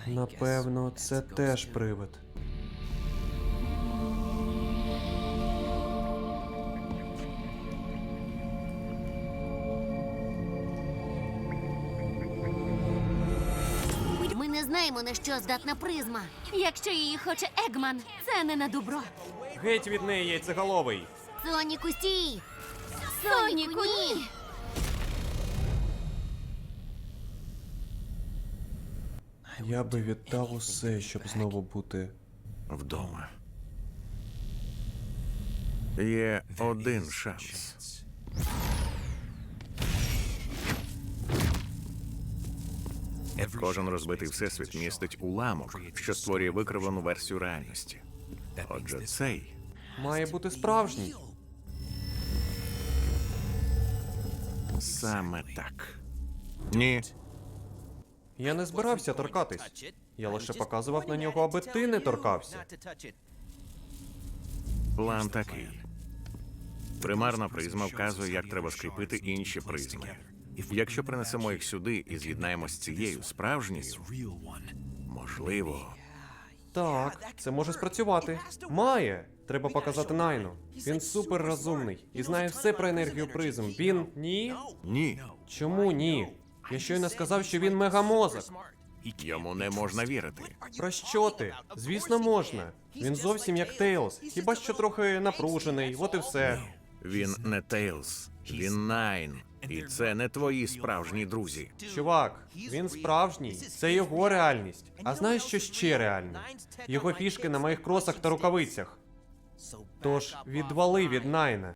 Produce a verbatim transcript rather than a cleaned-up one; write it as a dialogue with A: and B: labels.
A: Напевно, це теж привид.
B: Ми не знаємо, на що здатна призма. Якщо її хоче Егман, це не на добро.
A: Геть від неї, яйцеголовий!
B: Соніку, стій! Соніку, ні!
A: Я би віддав усе, щоб знову бути...
C: Вдома. Є один шанс. Кожен розбитий всесвіт містить уламок, що створює викривлену версію реальності. Отже, цей
A: Має бути справжній.
C: саме так. Ні,
A: Я не збирався торкатись. Я лише показував на нього, аби ти не торкався.
C: план такий. Примарна призма вказує, як треба скріпити інші призми. Якщо принесемо їх сюди і з'єднаємо з цією справжньою, можливо,
A: Так, це може спрацювати. Має! Треба показати Найну. Він супер розумний і знає все про енергію призм. Він... Ні?
C: ні.
A: Чому ні? Я щойно сказав, що він мегамозок.
C: Йому не можна вірити.
A: Про що ти? Звісно, можна. Він зовсім як Тейлз. Хіба що трохи напружений, от і все.
C: Він не Тейлз, він Найн. І це не твої справжні друзі.
A: Чувак, він справжній. Це його реальність. А знаєш, що ще реальне? Його фішки на моїх кросах та рукавицях. Тож, відвали від Найна.